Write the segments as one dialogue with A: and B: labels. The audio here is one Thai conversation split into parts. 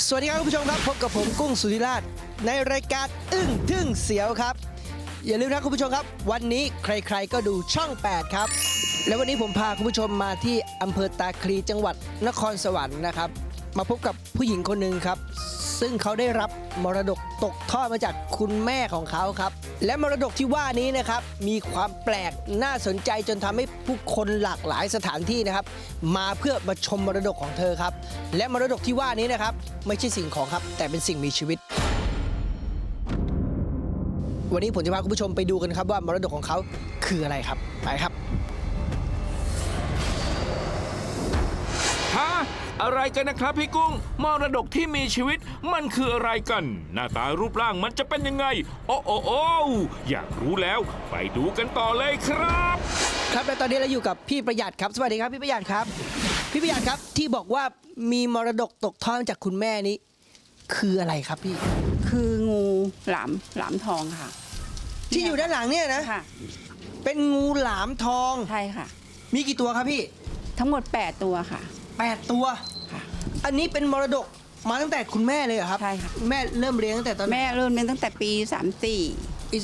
A: สวัสดีครับคุณผู้ชมครับพบกับผมกุ้งสุธิราชในรายการอึ้งทึ่งเสียวครับอย่าลืมนะคุณผู้ชมครับวันนี้ใครๆก็ดูช่อง 8 ครับและวันนี้ผมพาคุณผู้ชมมาที่อำเภอตาคลีจังหวัดนครสวรรค์นะครับมาพบกับผู้หญิงคนหนึ่งครับซึ่งเขาได้รับมรดกตกทอดมาจากคุณแม่ของเขาครับและมรดกที่ว่านี้นะครับมีความแปลกน่าสนใจจนทำให้ผู้คนหลากหลายสถานที่นะครับมาเพื่อมาชมมรดกของเธอครับและมรดกที่ว่านี้นะครับไม่ใช่สิ่งของครับแต่เป็นสิ่งมีชีวิตวันนี้ผมจะพาคุณผู้ชมไปดูกันครับว่ามรดกของเขาคืออะไรครับไปครับ
B: ฮะอะไรกันนะครับพี่กุ้งมรดกที่มีชีวิตมันคืออะไรกันหน้าตารูปร่างมันจะเป็นยังไงโอ้อยากรู้แล้วไปดูกันต่อเลยครับ
A: ครับและตอนนี้เราอยู่กับพี่ประหยัดครับสวัสดีครับพี่ประหยัดครับพี่ประหยัดครับที่บอกว่ามีมรดกตกทอดมาจากคุณแม่นี้คืออะไรครับพี่
C: คืองูหลามทองค่ะ
A: ที่อยู่ด้านหลังเนี่ยนะ
C: ค่ะ
A: เป็นงูหลามทอง
C: ใช่ค่ะ
A: มีกี่ตัวครับพี่
C: ทั้งหมด8ตัวค่ะ
A: 8ตัว
C: ค่ะ
A: อันนี้เป็นมรดกมาตั้งแต่คุณแม่เลยเหรอครับ
C: ใช่ค่ะ
A: แม่เริ่มเลี้ยงตั้งแต่ตอน
C: แม่เริ่มเลี้ยงตั้งแต่ปี
A: ปี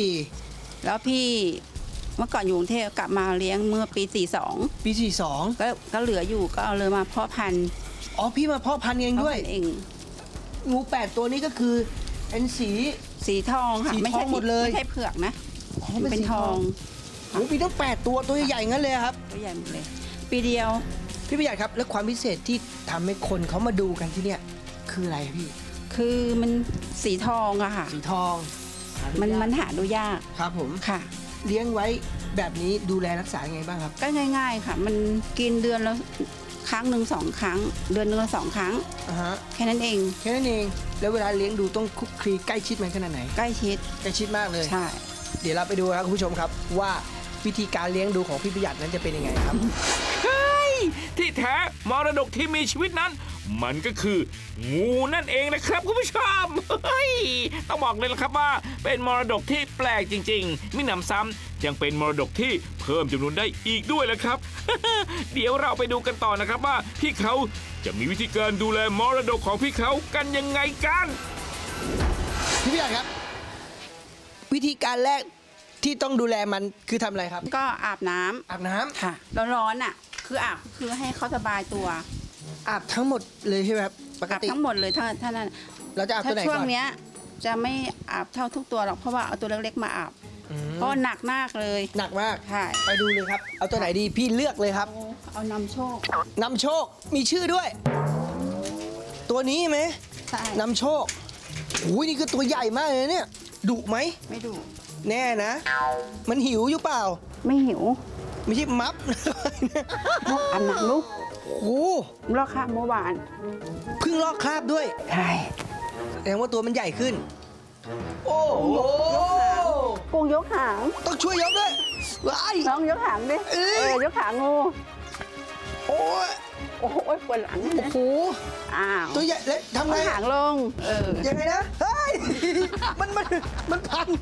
A: 34
C: แล้วพี่เมื่อก่อนอยู่กรุงเทพกลับมาเลี้ยงเมื่อปี42
A: ปี42
C: ก็เหลืออยู่ก็เอาเลยมาเพาะพันธุ์
A: อ๋อพี่มาเพาะพันธุ์เองด้วย
C: เอง
A: งู8ตัวนี้ก็คือเป็น
C: สีทองค่ะ
A: ไม่ใช่หมดเลย
C: ไม่ใช่เผือกนะเป็นทอง
A: โอ้ปีต้อง8ตัวใหญ่ๆงั้นเลยครับ
C: ตัวใหญ่หมดเลยปีเดียว
A: พี่ประหยัดครับแล้วความพิเศษที่ทำให้คนเขามาดูกันที่เนี่ยคืออะไรพี่
C: คือมันสีทองอะค่ะ
A: สีทอง
C: มันหาดูยาก
A: ครับผม
C: ค่ะ
A: เลี้ยงไว้แบบนี้ดูแลรักษายังไงบ้างครับ
C: ก็ง่ายๆค่ะมันกินเดือนละครั้งหนึ่ง2 ครั้งเดือนนึงละ2 ครั้งแค่นั้นเอง
A: แล้วเวลาเลี้ยงดูต้องคุกคีใกล้ชิดมันขนาดไหน
C: ใกล้ชิด
A: มากเลย
C: ใช่
A: เดี๋ยวเราไปดูครับคุณผู้ชมครับว่าวิธีการเลี้ยงดูของพี่ประหยัดนั้นจะเป็นยังไงครับ
B: ที่แท้มรดกที่มีชีวิตนั้นมันก็คืองูนั่นเองนะครับคุณผู้ชมต้องบอกเลยนะครับว่าเป็นมรดกที่แปลกจริงๆมิหนำซ้ำยังเป็นมรดกที่เพิ่มจำนวนได้อีกด้วยแหละครับ เดี๋ยวเราไปดูกันต่อนะครับว่าพี่เขาจะมีวิธีการดูแลมรดกของพี่เขากันยังไงกัน
A: พี่ประหยัดครับวิธีการแรกที่ต้องดูแลมันคือทำอะไรครับ
C: ก็อาบน้ำค่ะร้อนๆอ่ะคือให้เขาสบายตัว
A: อาบทั้งหมดเลยใช่ไหมครับปกติ
C: ทั้งหมดเลยถ้านั้น
A: เราจะอาบตัวไหนก่อน
C: ช่วงเนี้ยจะไม่อาบเท่าทุกตัวหรอกเพราะว่าเอาตัวเล็กๆมาอาบเพราะหนักมากเลย
A: หนักมาก
C: ใช่
A: ไปดูเลยครับเอาตัวไหนดีพี่เลือกเลยครับ
C: เอานำโ
A: ชคมีชื่อด้วยตัวนี้ไหม
C: ใช่
A: นำโชคอุ้ยนี่คือตัวใหญ่มากเลยเนี่ยดุไหม
C: ไม่ดุ
A: แน่นะมันหิวอยู่เปล่า
C: ไม่หิว
A: ไม่ใช่มัฟ
C: อาบน้ำลูก
A: โอ้
C: ลอกคราบเมื่อวาน
A: เพิ่งลอกคราบด้วย
C: ใช่
A: แสดงว่าตัวมันใหญ่ขึ้นโอ้โห
C: กุ้งยกหาง
A: ต้องช่วยยกด้วย
C: น้องยกหางดิยกหางงูโอ้ยปวดหลัง
A: โอ้โหตัวใหญ่เล็กทำไง
C: หางลง
A: ยังไงนะเฮ้ยมันพัน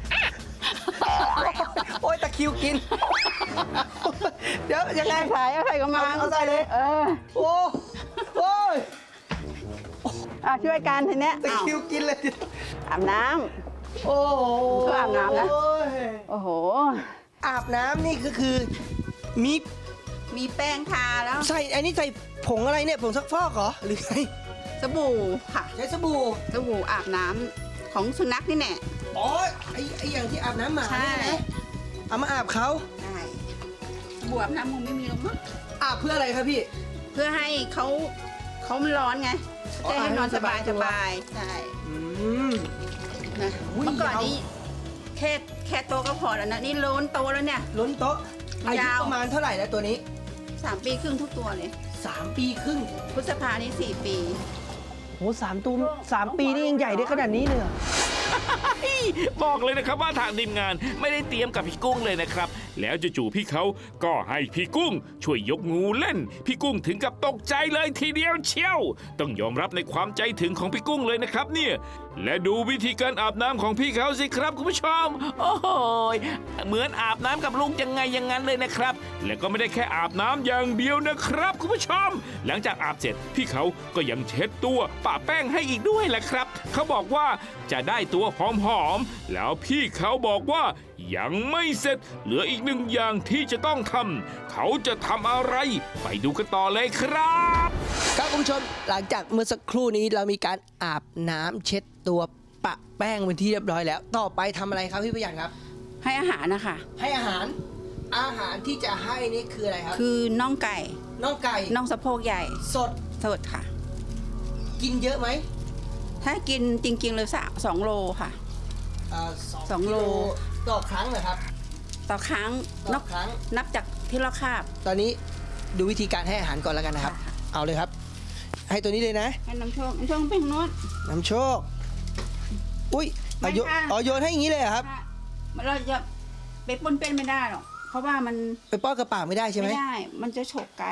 A: โอ้ยตะคิวกินเดี๋ยวยังไง
C: ใส่ก็มา
A: เอาใส่เลยโอ้ย
C: ช่วยกันทีเนี้ย
A: ตะคิวกินเลย
C: อาบน้ำโอ้โหอาบน้ำนะโอ้โห
A: อาบน้ำนี่ก็คือ
C: มีแป้งทาแล้ว
A: ใส่อันนี้ใส่ผงอะไรเนี่ยผงซักฟอกเหรอหรือไง
C: สบู่ค่ะ
A: ใช้สบู่
C: อาบน้ำของสุนัขนี่แน่
A: อ๋อไออย่างที่อาบน้ำหมาเนี่ยนะเอามาอาบเขา
C: ใช่สบู่อาบน้ำมึงไม่มีหรอกมั้ง
A: อาบเพื่ออะไรครับพี่
C: เพื่อให้เขามันร้อนไงจะให้นอนสบายใช่นะเมื่อก่อนนี้แค่โตก็พอแล้วนะนี่ล้นโตแล้วเนี่ย
A: ล้นโตอายุประมาณเท่าไหร่แล้วตัวนี้
C: 3 ปีครึ่งทุกตัวเลย
A: 3 ปีครึ่ง
C: พฤษภานี่4 ปี
A: โห3 ปีนี่ยังใหญ่ได้ขนาดนี้เลย
B: บอกเลยนะครับว่าทางทีมงานไม่ได้เตรียมกับพี่กุ้งเลยนะครับ แล้วจู่ๆพี่เขาก็ให้พี่กุ้งช่วยยกงูเล่น พี่กุ้งถึงกับตกใจเลยทีเดียวเชียวต้องยอมรับในความใจถึงของพี่กุ้งเลยนะครับเนี่ยและดูวิธีการอาบน้ำของพี่เขาสิครับคุณผู้ชมโอ้โหเหมือนอาบน้ำกับลูกยังไงอย่างนั้นเลยนะครับ และก็ไม่ได้แค่อาบน้ำอย่างเดียวนะครับคุณผู้ชม หลังจากอาบเสร็จพี่เขาก็ยังเช็ดตัวปะแป้งให้อีกด้วยแหละครับเขาบอกว่าจะได้ตัวหอมๆแล้วพี่เขาบอกว่ายังไม่เสร็จเหลืออีกหนึ่งอย่างที่จะต้องทำเขาจะทำอะไรไปดูกันต่อเลยครับ
A: ครับคุณผู้ชมหลังจากเมื่อสักครู่นี้เรามีการอาบน้ำเช็ดตัวปะแป้งเป็นที่เรียบร้อยแล้ว ต่อไปทำอะไรครับพี่ประหยัดครับ
C: ให้อาหารนะคะ
A: ให้อาหารที่จะให้นี่คืออะไรครับ
C: คือน่องไก่
A: น่องไก่
C: น่องสะโพกใหญ่
A: สด
C: สดค่ะ
A: กินเยอะไหม
C: ถ้ากินจริงๆเลย2 โลค่ะ สองโล
A: ต่อครั้งเหรอครับ
C: ต่อครั้ง
A: ต่อครั้ง
C: นับจากที่เราคาบ
A: ตอนนี้ดูวิธีการให้อาหารก่อนแล้วกันนะครับ
C: ค่ะ
A: เอาเลยครับ ให้ตัวนี้เลยนะ
C: ให้น้ำโชคเป็นโน้ต
A: น้ำโชค อุ้ย
C: ไม่ค่ะ
A: โยนให้อย่างนี้เลยเหรอครับ
C: เราจะไปปนเป็นไม่ได้หรอกเพราะว่ามัน
A: ไปป้อนกระปากไม่ได้ใช่ไหม
C: ไม่ได้ มันจะฉกไก่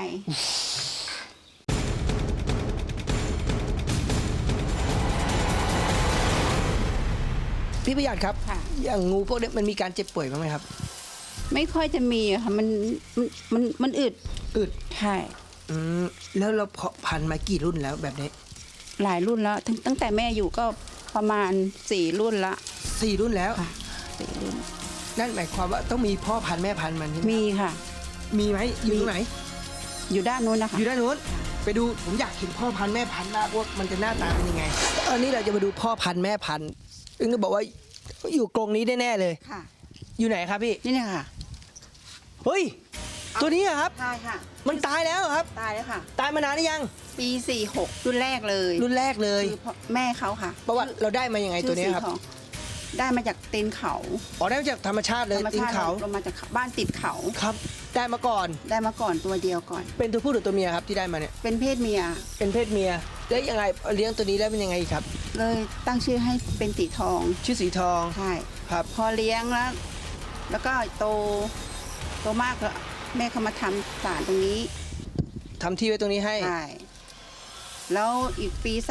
A: พี่ประหยัดครับ
C: ค่ะ
A: อย่างงูพวกนี้มันมีการเจ็บป่วยบ้างไหมครับ
C: ไม่ค่อยจะมีอะค่ะมันอึด
A: อึด
C: ใช่
A: แล้วเราเพาะพันธุ์มากี่รุ่นแล้วแบบนี้
C: หลายรุ่นแล้วตั้งแต่แม่อยู่ก็ประมาณ4 รุ่นละ
A: 4 รุ่นแล้ว
C: ค่ะ4 รุ่น
A: นั่นหมายความว่าต้องมีพ่อพันธุ์แม่พันธุ์มันใช่ไหม
C: มีค่ะ
A: มีไหมอยู่ตรงไหน
C: อยู่ด้านนู้นนะคะ
A: อยู่ด้านนู้นไปดูผมอยากเห็นพ่อพันธุ์แม่พันธุ์มากว่ามันจะหน้าตาเป็นยังไงตอนนี้เราจะมาดูพ่อพันธุ์แม่พันธุ์ซึ่งก็บอกว่าอยู่กรงนี้แน่ๆเลย
C: ค่ะ
A: อยู่ไหนครับพี่
C: นี่เนี่ยค่ะ
A: เฮ้ยตัวนี้อะครับ
C: ใช่ค่ะ
A: มันตายแล้วเหรอครับ
C: ตายแล้วค่ะ
A: ตายมานานหรือยัง
C: ปี46รุ่นแรกเลย
A: รุ่นแรกเลย
C: คือพ่อแม่เขาค่ะ
A: เพราะว่าเราได้มายังไงตัวนี้ครับ
C: ชื่อสีทองได้มาจากตีนเขา
A: อ๋อได้มาจากธรรมชาติเลย
C: ธรรม
A: ตีน
C: ชาติ
A: เขา
C: ลงมาจากบ้านติดเขา
A: ครับได้มาก่อน
C: ได้มาก่อนตัวเดียวก่อน
A: เป็นตัวผู้หรือตัวเมียครับที่ได้มาเนี่ย
C: เป็นเพศเมีย
A: เป็นเพศเมียแล้วยังไงเลี้ยงตัวนี้แล้วเป็นยังไงอีกครับ
C: เลยตั้งชื่อให้เป็นสีทอง
A: ชื่อสีทอง
C: ใช่
A: ครับ
C: พอเลี้ยงแล้วก็โตมากแล้วแม่เขามาทำศาลตรงนี้
A: ทำที่ไว้ตรงนี้ให้
C: ใช่แล้วอีกปี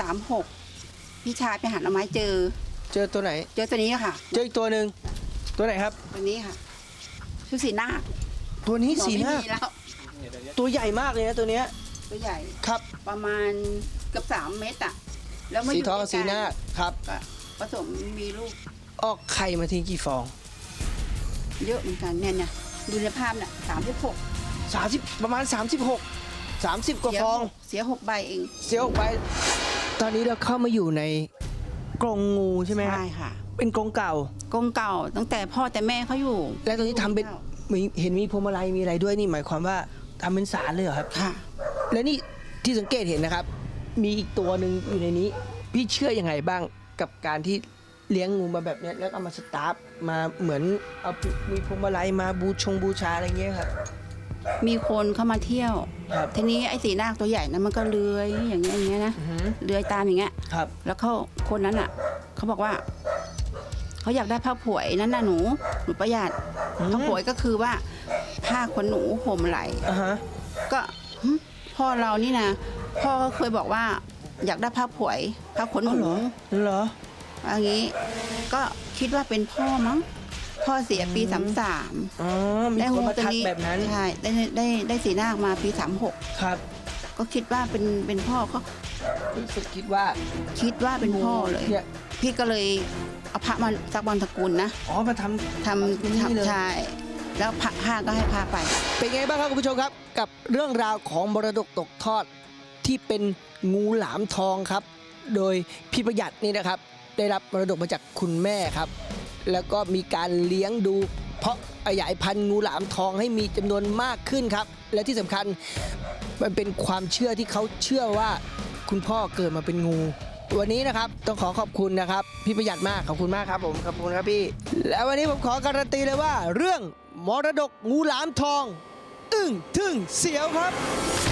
C: 36พี่ชายไปหาหน่อไม้เจอ
A: เจอตัวไหน
C: เจอตัวนี้ค่ะ
A: เจออีกตัวหนึ่งตัวไหนครับ
C: ตัวนี้ค่ะชื่อสีนาค
A: ตัวนี้
C: หมอ
A: สีหน้า
C: ไม่มีแล้ว
A: ตัวใหญ่มากเลยนะตัวเนี้ย
C: ตัวใหญ่
A: ครับ
C: ประมาณเกือบ3 เมตรอะแล้วมา
A: สี
C: อยู่
A: ทองกับสีหน้าครับ
C: ก็ผสมมีลูก
A: ออกไข่มาทีกี่ฟอง
C: เยอะเหมือนกันเนี่ยดูในภาพน่ะ36
A: 30ประมาณ 36 30 กว่าฟอง
C: เสีย6 ใบเอง
A: เสียออกไป ตอนนี้เราเข้ามาอยู่ในกรงงูใช่ไหมครับ
C: ใช่ค่ะ
A: เป็นกรงเก่า
C: กรงเก่าตั้งแต่พ่อแต่แม่เขาอยู่
A: และตรงนี้ทำเป็นเห็นมีพวงมาลัยมีอะไรด้วยนี่หมายความว่าทำเป็นศาลเลยเหรอครับ
C: ค่ะ
A: และนี่ที่สังเกตเห็นนะครับ มีอีกตัวหนึ่งอยู่ในนี้ พี่เชื่อยังไงบ้างกับการที่เลี้ยงงูมาแบบเนี้ยแล้วเอามาสตาร์ฟมาเหมือนเอามีพวงมาลัยมาบูชาอะไรเงี้ยครับ
C: มีคนเข้ามาเที่ยว
A: ครับ
C: ทีนี้ไอ้สีนาคตัวใหญ่นะมันก็เลื้อยอย่างเงี้ยนะ
A: อือหือ
C: เลื้อยตามอย่างเงี้ย
A: ครับ
C: แล้วคนนั้นอ่ะเขาบอกว่าเขาอยากได้ผ้าผวยนั่นน่ะหนูประหยัดผ้าผวยก็คือว่าผ้าขนหนูห่มไหล
A: อ่าฮะ
C: ก็หึพ่อเรานี่นะพ่อก็เคยบอกว่า อยากได้ผ้าผวยผ้าขนห
A: อ๋อ
C: นู
A: เหรอ
C: อย่างนี้ ก็คิดว่าเป็นพ่อมั้งพ่อเสียปี33
A: อ๋อมี
C: ได้
A: คนมา
C: ตัว
A: ทัก
C: นี้
A: แบบนั้น
C: ใช่ได้สีนาคมาปี36
A: ครับ
C: ก็คิดว่าเป็นพ่อก็
A: รู้สึกคิดว่า
C: คิดว่าเป็นพ่อเลย
A: เนี่ย
C: พี่ก็เลยเอาพระมาสักวันตระกูลนะ
A: อ๋อมาท
C: ทำ
A: นี่เลย
C: ใช่แล้วผ้าก็ให้ผ้าไป
A: เป็นไงบ้างครับคุณผู้ชมครับ กับเรื่องราวของมรดกตกทอดที่เป็นงูหลามทองครับ โดยพี่ประหยัดนี่นะครับ ได้รับมรดกมาจากคุณแม่ครับ แล้วก็มีการเลี้ยงดู เพราะขยายพันธุ์งูหลามทองให้มีจำนวนมากขึ้นครับ และที่สำคัญมันเป็นความเชื่อที่เขาเชื่อว่าคุณพ่อเกิดมาเป็นงู วันนี้นะครับต้องขอขอบคุณนะครับพี่ประหยัดมากขอบคุณมากครับผมขอบคุณครับพี่ แล้ววันนี้ผมขอการันตีเลยว่า เรื่องมรดกงูหลามทอง อึ้งทึ่งเสียวครับ